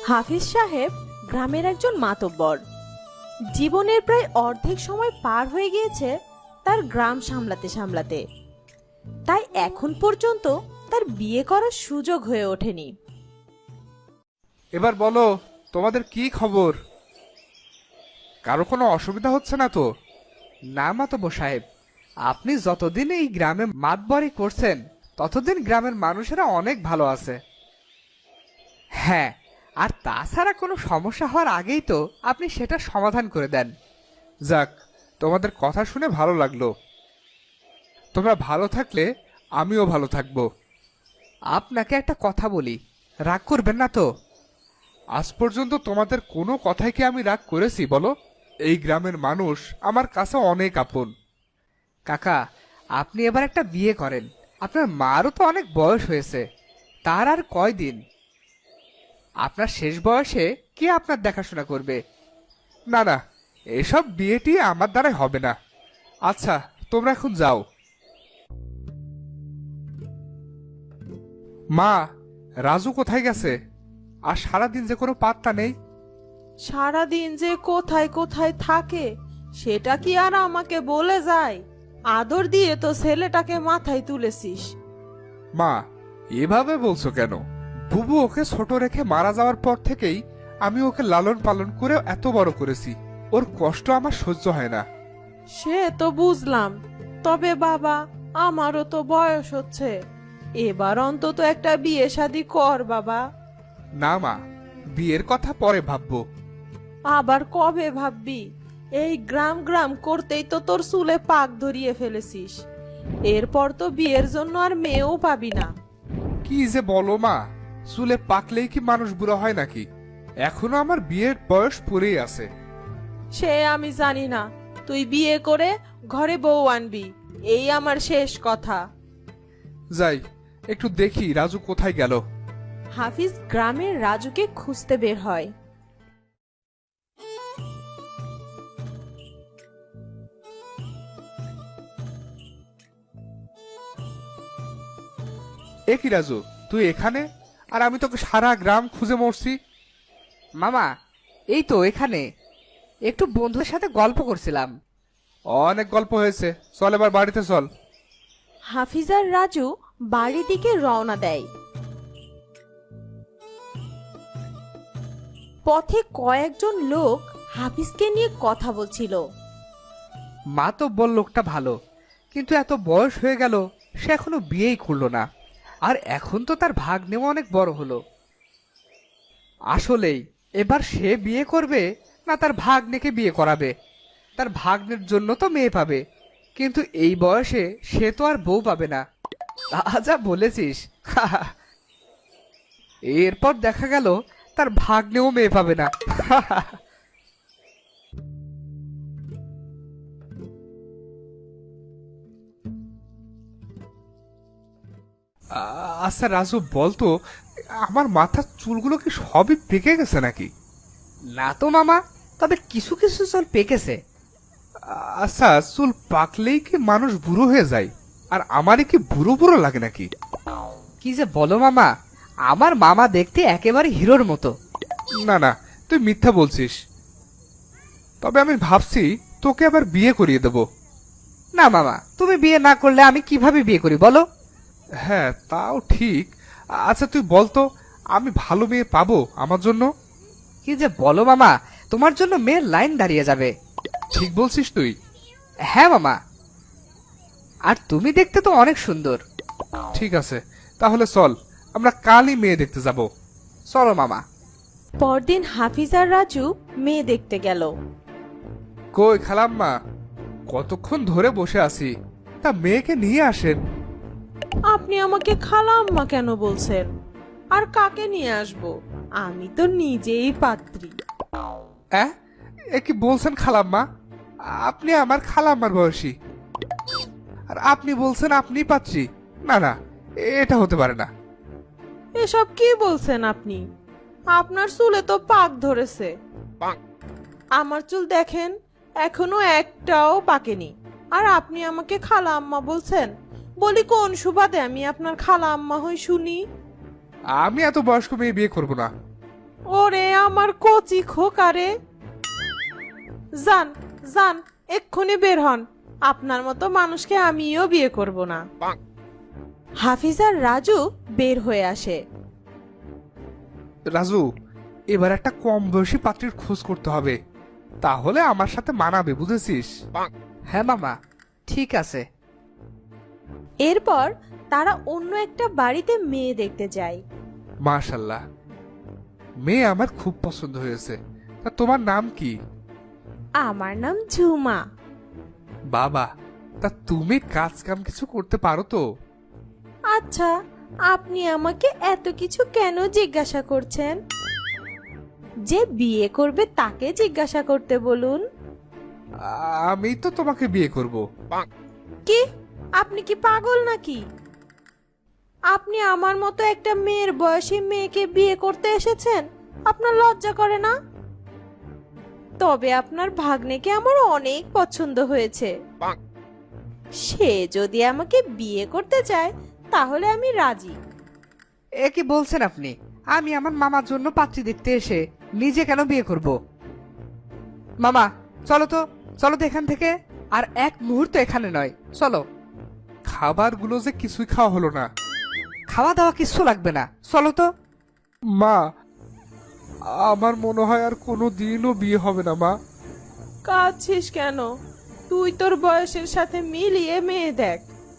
হাফিজ সাহেব গ্রামের একজন মাতব্বর। জীবনের প্রায় অর্ধেক সময় পার হয়ে গিয়েছে তার গ্রাম সামলাতে সামলাতে। তাই এখন পর্যন্ত তার বিয়ে করার সুযোগ হয়ে ওঠেনি। এবার বলো, তোমাদের কি খবর? কারো কোনো অসুবিধা হচ্ছে না তো? না মাতব্বর সাহেব, আপনি যতদিন এই গ্রামে মাতবরি করছেন ততদিন গ্রামের মানুষেরা অনেক ভালো আছে। হ্যাঁ, আর তাছাড়া কোনো সমস্যা হওয়ার আগেই তো আপনি সেটা সমাধান করে দেন। যাক, তোমাদের কথা শুনে ভালো লাগলো। তোমরা ভালো থাকলে আমিও ভালো থাকবো। আপনাকে একটা কথা বলি, রাগ করবেন না তো? আজ পর্যন্ত তোমাদের কোনো কথাই কি আমি রাগ করেছি বলো? এই গ্রামের মানুষ আমার কাছে অনেক আপন। কাকা, আপনি এবার একটা বিয়ে করেন। আপনার মারও তো অনেক বয়স হয়েছে, তার আর কয়দিন। আপনার শেষ বয়সে কে আপনার দেখাশোনা করবে? না না, এসব বিয়েটি আমার দ্বারাই হবে না। আচ্ছা, তোমরা এখন যাও। মা, রাজু কোথায় গেছে? আর সারাদিন যে কোনো পাত্তা নেই। সারাদিন যে কোথায় কোথায় থাকে সেটা কি আর আমাকে বলে যায়? আদর দিয়ে তো ছেলেটাকে মাথায় তুলেছিস। মা, এভাবে বলছো কেন? বুবু ওকে ছোট রেখে মারা যাওয়ার পর থেকেই আমি ওকে লালন পালন করে এত বড় করেছি। ওর কষ্ট আমার সহ্য হয় না। সে তো বুঝলাম, তবে বাবা, আমারও তো বয়স হচ্ছে। এবার অন্তত একটা বিয়ে শাদী কর বাবা। না মা, বিয়ের কথা পরে ভাববো। আবার কবে ভাববি? এই গ্রাম গ্রাম করতেই তো তোর চুলে পাক ধরিয়ে ফেলেছিস। এরপর তো বিয়ের জন্য আর মেয়েও পাবি না। কি যে বলো মা, চুলে পাকলেই কি মানুষ বুড়ো হয় নাকি? এখনো আমার বিয়ের বয়স পড়েই আছে। সে আমি জানি না, তুই বিয়ে করে ঘরে বউ আনবি, এই আমার শেষ কথা। যাই, একটু দেখি রাজু কোথায় গেল। হাফিজ গ্রামের রাজুকে খুঁজতে বের হয়। এ কি রাজু, তুই এখানে? আর আমি তোকে সারা গ্রাম খুঁজে মরছি। মামা, এই তো এখানে একটু বন্ধুদের সাথে গল্প করছিলাম। অনেক গল্প হয়েছে, চল এবার বাড়িতে চল। হাফিজ আর রাজু বাড়ির দিকে রওনা দেয়। পথে কয়েকজন লোক হাফিজকে নিয়ে কথা বলছিল। মা তো বল লোকটা ভালো, কিন্তু এত বয়স হয়ে গেল সে এখনো বিয়েই করলো না। আর এখন তো তার ভাগ্নেও অনেক বড় হলো। আসলেই এবার সে বিয়ে করবে না তার ভাগ্নেকে বিয়ে করাবে? তার ভাগ্নের জন্য তো মেয়ে পাবে, কিন্তু এই বয়সে সে তো আর বউ পাবে না। যা বলেছিস। এরপর দেখা গেল তার ভাগ্নেও মেয়ে পাবে না। আচ্ছা রাজু, বলতো আমার মাথার চুলগুলো কি সবই পেকে গেছে নাকি? না তো মামা, তবে কিছু কিছু চুল পেকেছে। আচ্ছা, চুল পাকলেই কি মানুষ বুড়ো হয়ে যায়? আর আমারই কি বুড়ো বুড়ো লাগে নাকি? কি যে বলো মামা, আমার মামা দেখতে একেবারে হিরোর মতো। না না, তুই মিথ্যা বলছিস। তবে আমি ভাবছি তোকে আবার বিয়ে করিয়ে দেব। না মামা, তুমি বিয়ে না করলে আমি কিভাবে বিয়ে করি বলো? হ্যাঁ, তাও ঠিক। আচ্ছা তুই বলতো, আমি ভালো মেয়ে পাবো আমার জন্য? কি যে বলো মামা, তোমার জন্য মেয়ের লাইন দাঁড়িয়ে যাবে। ঠিক বলছিস তুই? হ্যাঁ মামা, আর তুমি দেখতে তো অনেক সুন্দর। ঠিক আছে, তাহলে চল আমরা কালই মেয়ে দেখতে যাব। চলো মামা। পরদিন হাফিজ আর রাজু মেয়ে দেখতে গেল। কই খালাম্মা, কতক্ষণ ধরে বসে আছি, তা মেয়েকে নিয়ে আসেন। আপনি আমাকে খালাম্মা কেন বলছেন? আর কাকে নিয়ে আসবো? আমি তো নিজেই পাত্রী। এ কি বলছেন খালাম্মা? আপনি আমার খালাম্মার বয়সী, আর আপনি বলছেন আপনি পাচ্ছি? না না, এটা হতে পারে না। এসব কি বলছেন আপনি? আপনার চুলে তো পাক ধরেছে। আমার চুল দেখেন, এখনো একটাও পাকেনি। আর আপনি আমাকে খালা আম্মা বলছেন? বলি, কোন সুবাদে আমি আপনার খালা আম্মা হই শুনি? আমি এত বয়স্ক মেয়ে বিয়ে করব না। ওরে আমার কচি খোকারে, যান যান, এক্ষুনি বের হন। আপনার মতো মানুষকে আমিও বিয়ে করব না। হাফিজ আর রাজু বের হয়ে আসে। রাজু, এবার একটা কম বয়সী পাত্রীর খোঁজ করতে হবে, তাহলে আমার সাথে মানাবে, বুঝেছিস? হ্যাঁ মামা, ঠিক আছে। এরপর তারা অন্য একটা বাড়িতে মেয়ে দেখতে যায়। মাশাল্লাহ, মেয়ে আমার খুব পছন্দ হয়েছে। তা তোমার নাম কি? আমার নাম ঝুমা। বাবা, তা তুমি কাজ কাম কিছু করতে পারো তো? আচ্ছা, আপনি আমাকে এত কিছু কেন জিজ্ঞাসা করছেন? যে বিয়ে করবে তাকে জিজ্ঞাসা করতে বলুন। আমি তো তোমাকে বিয়ে করব। কি, আপনি কি পাগল নাকি? আপনি আমার মতো একটা মেয়ের বয়সী মেয়েকে বিয়ে করতে এসেছেন? আপনার লজ্জা করে না? তবে আপনার ভাগ্নেকে আমার অনেক পছন্দ হয়েছে। সে যদি আমাকে বিয়ে করতে চায় তাহলে আমি রাজি। এ কি বলছেন আপনি? আমি আমার মামার জন্য পাত্রী দেখতে এসে নিজে কেন বিয়ে করব? মামা, চলো তো, চলো তো এখান থেকে। আর এক মুহূর্ত এখানে নয়, চলো। খাবারগুলো যে কিছুই খাওয়া হলো না। খাওয়া দাওয়া কিচ্ছু লাগবে না, চলো তো। মা, আমার মনে হয় আর কোনো দিনও বিয়ে হবে না। মা, কাঁদছিস কেন? তুই তোর বয়সের সাথে মিলিয়ে মেয়ে দেখ।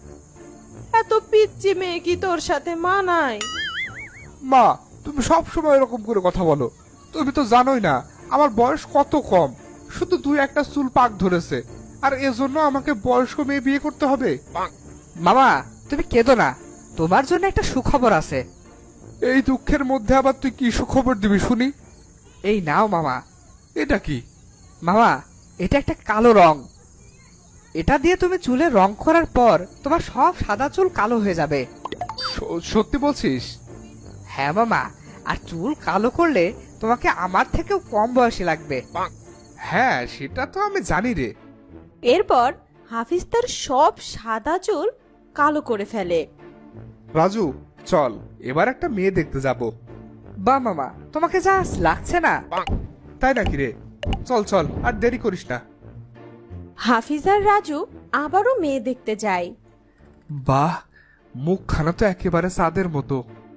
এত পিচ্চি মেয়ে কি তোর সাথে মানায়? মা, তুমি সব সময় এরকম করে কথা বলো। তুমি তো জানোই না আমার বয়স কত কম, শুধু দুই একটা চুল পাক ধরেছে, আর এজন্য আমাকে বয়স্ক মেয়ে বিয়ে করতে হবে? মামা, তুমি কেঁদো না, তোমার জন্য একটা সুখবর আছে। এই দুঃখের মধ্যে আবার তুই কি সুখবর দিবি শুনি? এই নাও মামা। এটা কি? মামা, এটা একটা কালো রং। এটা দিয়ে তুমি চুলে রং করার পর তোমার সব সাদা চুল কালো হয়ে যাবে। সত্যি বলছিস? হ্যাঁ মামা, আর চুল কালো করলে তোমাকে আমার থেকেও কম বয়সী লাগবে। হ্যাঁ, সেটা তো আমি জানি রে। এরপর হাফিজ তার সব সাদা চুল কালো করে ফেলে। রাজু, চল এবার একটা মেয়ে দেখতে যাব। বা মামা, তোমাকে যা লাগছে না। তাই নাকি রে? চল চল, আর দেরি করিস না। হাফিজ আর রাজু আবারও মেয়ে দেখতে যায়। বাহ, মুখখানা তো একেবারে চাঁদের মতো।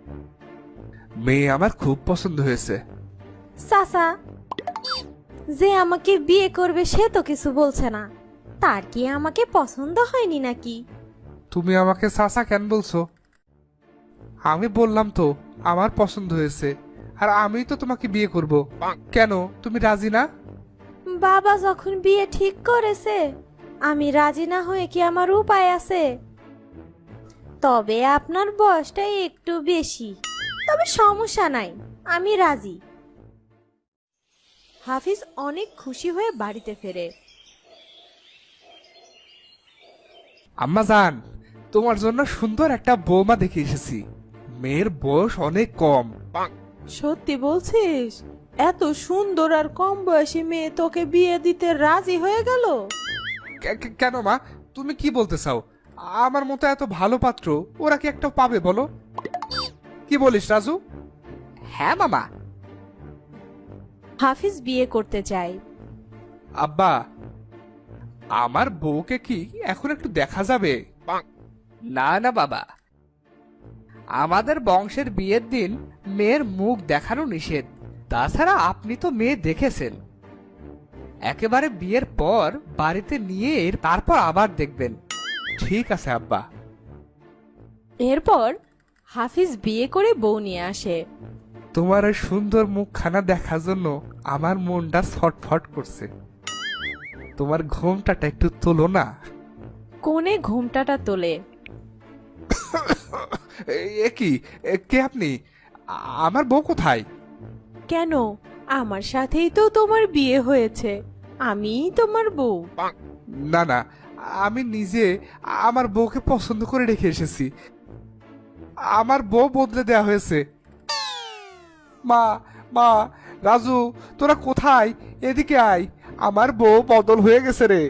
মেয়ে আমার খুব পছন্দ হয়েছে। চাচা, যে আমাকে বিয়ে করবে সে তো কিছু বলছে না, তার কি আমাকে পছন্দ হয়নি নাকি? তুমি আমাকে চাচা কেন বলছো? আমি বললাম তো আমার পছন্দ হয়েছে, আর আমি তো তোমাকে বিয়ে করব। কেন, তুমি রাজি না? বাবা যখন বিয়ে ঠিক করেছে, আমি রাজি না হয়ে কি আমার উপায় আছে? তবে আপনার বয়সটা একটু বেশি, তবে সমস্যা নাই, আমি রাজি। হাফিজ অনেক খুশি হয়ে বাড়িতে ফেরে। আম্মা জান, তোমার জন্য সুন্দর একটা বৌমা দেখে এসেছি। মেয়ের বয়স অনেক কম। সত্যি বলছিস? এত সুন্দর আর কম বয়সী মেয়ে তোকে বিয়ে দিতে রাজি হয়ে গেল? কেন মা, তুমি কি বলতে চাও? আমার মতো এত ভালো পাত্র ওরা কি একটা পাবে বলো? কি বলিস রাজু? হ্যাঁ মামা। হাফিজ বিয়ে করতে চায়। আব্বা, আমার বউকে কি এখন একটু দেখা যাবে? না না বাবা, আমাদের বংশের বিয়ের দিন মেয়ের মুখ দেখানো নিষেধ। তাছাড়া আপনি তো মেয়ে দেখেছেন, একেবারে বিয়ের পর বাড়িতে নিয়ে তারপর আবার দেখবেন। ঠিক আছে আব্বা। এরপর হাফিজ বিয়ে করে বউ নিয়ে আসে। তোমার ওই সুন্দর মুখখানা দেখার জন্য আমার মনটা ছটফট করছে। তোমার ঘোমটাটা একটু তোলো না। কোণে ঘোমটাটা তোলে। এ কি, কে আপনি? আমার বউ কোথায়? কেন, আমার সাথেই তো তোমার বিয়ে হয়েছে, আমিই তোমার বউ। না না, আমি নিজে আমার বউকে পছন্দ করে রেখে এসেছি। আমার বউ বদলে দেয়া হয়েছে। মা, মা, রাজু, তোরা কোথায়? এদিকে আয়, আমার বউ বদল হয়ে গেছে রে।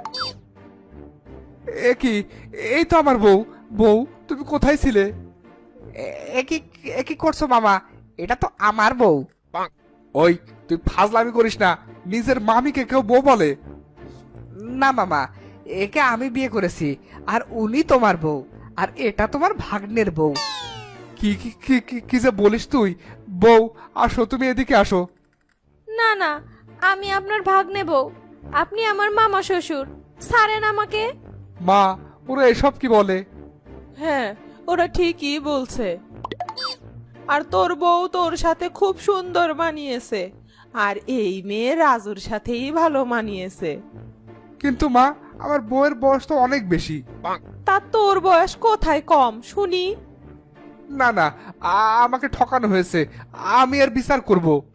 এ কি, এই তো আমার বউ। বউ, তুমি কোথায় ছিলে? এ কি করছো মামা? এটা তো আমার বউ। ওই তুই ফাজলামি করিস না, নিজের মামিকে কেউ বউ বলে? না মামা, একে আমি বিয়ে করেছি, আর উনি তোমার বউ, আর এটা তোমার ভাগ্নের বউ। কি কি কি কি কি যে বলিস তুই? বউ, আসো, তুমি এদিকে আসো। না না, আমি আপনার ভাগ্নে বউ, আপনি আমার মামা শ্বশুর, ছাড়েন আমাকে। মা, ওরা এসব কি বলে? হ্যাঁ, ওরা ঠিকই বলছে। আর তোর বউ তোর সাথে খুব সুন্দর মানিয়েছে, আর এই মেয়ে রাজুর সাথেই ভালো মানিয়েছে। কিন্তু মা, আমার বউয়ের বয়স তো অনেক বেশি। তা তোর বয়স কোথায় কম শুনি? না না, আমাকে ঠকানো হয়েছে, আমি আর বিচার করব।